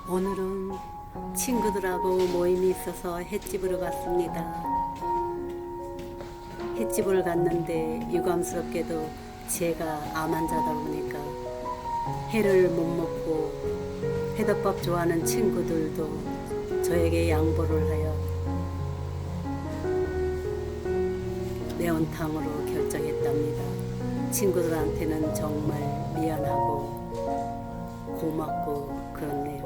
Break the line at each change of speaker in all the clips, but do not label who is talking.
오늘은 친구들하고 모임이 있어서 횟집으로 갔습니다. 횟집을 갔는데 유감스럽게도 제가 암 환자다 보니까 회를 못 먹고 회덮밥 좋아하는 친구들도 저에게 양보를 하여 매운탕으로 결정했답니다. 친구들한테는 정말 미안하고 고맙고 그렇네요.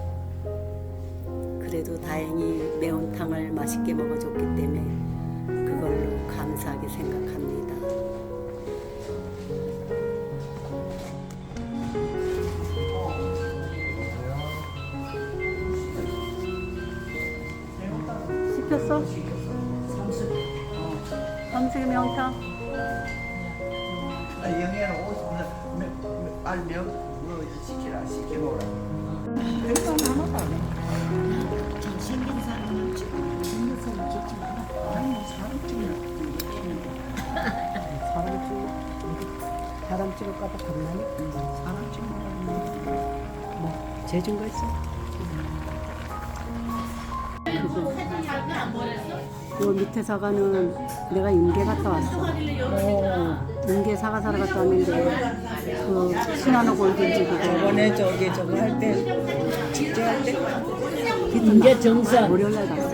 그래도 다행히 매운탕을 맛있게 먹어줬기 때문에 그걸로 감사하게 생각합니다. 시켰어? 삼식의 매운탕?
영애는 50분 빨면 뭐 시키라 시켜놓으라. 그래서 하나도 안 해.
잘생긴 사람은 찍고 생긴 사람 찍지 마라.
아니 사람 찍는
사람 찍을까봐 겁나니?
사람 찍는
뭐 재준 거 있어? 그 밑에 사과는 내가 임계 갔다 왔어. 임계 사과 사러 갔다 왔는데 그 시나노 골든지 그거
저번에 저거 할 때 직접 할 때
임계 정선 월요일날 갔어.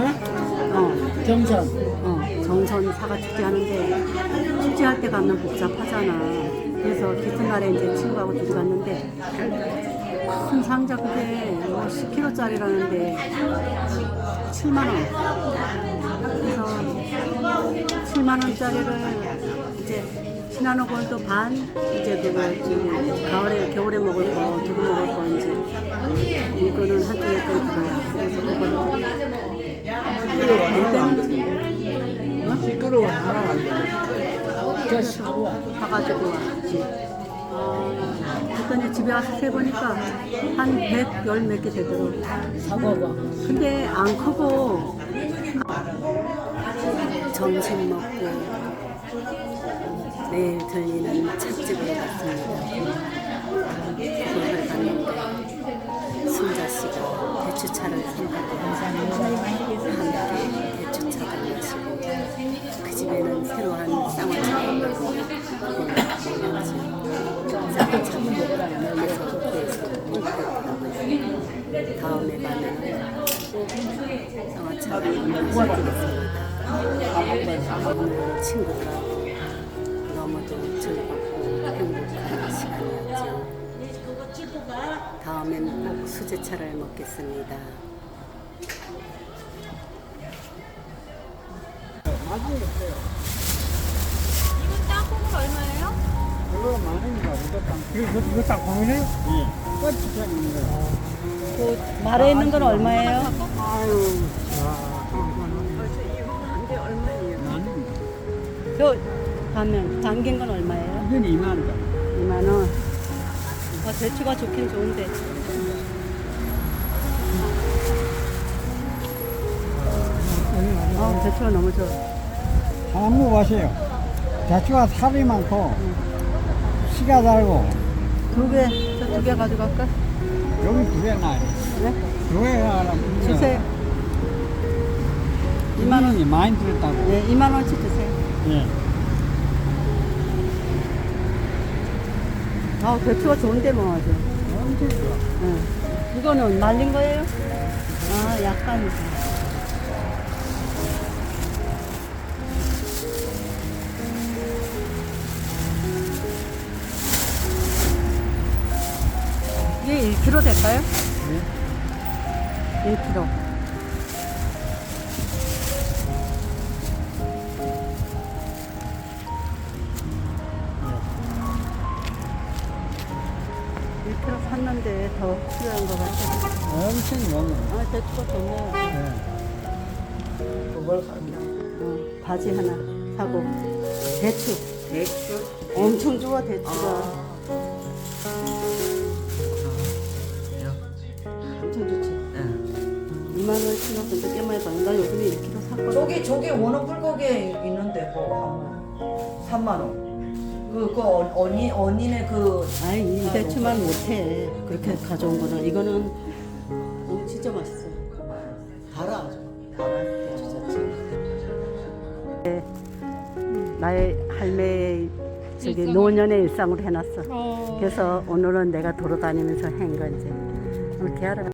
정선.
정선 사과 축제 하는데 축제할 때 가면 복잡하잖아. 그래서 깃든 날에 이제 친구하고 둘이 갔는데 큰 상자 그게 10kg짜리라는데 7만 원. 그래서 7만 원짜리를 이제 시나노 골드 반 이제 그거 가을에 겨울에 먹을 거 두고 먹을 거 이제 이거는 한쪽에 건 그거야. 그래서 그거는
시끄러워 하나 안 돼.
저 사과.
사가지고 왔지. 그랬더니 집에 와서 세보니까 한 110 몇 개 되더라고.
사과가.
근데 안 크고 점심 먹고 내일 들리는 찻집으로 갔습니다. 그걸 갔는데 순자 씨가 대추차를 산다고 함께 대추차를 마시고 그 집에는 새로 한 쌍화차가 있고 쌍화차를 먹으라면서 그래서 다음에 가면 쌍화차를 먹어보겠습니다. 오늘 친구들하고 너무도 즐겁고 행복한 시간이었죠. 다음에는 꼭 수제차를 먹겠습니다.
이거 땅콩은 얼마예요?
그거 많으니까 이거 딱 보이네? 예. 꽃이 펴 있는 거.
그 말에 있는 건 얼마예요?
아유.
저 가면 담긴 건 얼마예요?
이건 2만 원.
2만 원. 대추가 좋긴 좋은데. 대추가 너무 좋아.
한번 먹어보세요. 대추가 살이 많고 씨가 달고
두 개, 저 두 개 가져갈까?
여기 두 개 나요.
네?
두 개가 하나
주세요.
2만 원이 많이 들었다고.
네, 2만 원치 주세요.
예.
대추가 좋은데 뭐 아주.
엄청 좋아.
네. 이거는 말린 거예요? 약간. 이게 1kg 될까요?
네.
1kg. 샀는데 더 필요한 것 같아요.
엄청 많아.
대추가 좋네요.
네. 그걸 삽니다.
바지 하나 사고. 대추.
대추.
엄청 좋아, 대추가. 엄청 좋지. 2만 원씩 근데 꽤 많이 받는. 나 요즘에 1kg 샀거든.
저기 원어 불고기에 있는데 그거 한 3만 원. 그 언니네 그
아이, 이 대추만 못해. 그렇게 가져온 거는. 이거는 진짜 맛있어. 달아 아주. 고추 자체. 나의 할매 저기 노년의 일상으로 해놨어. 그래서 오늘은 내가 돌아다니면서 한 거지. 오늘 대하러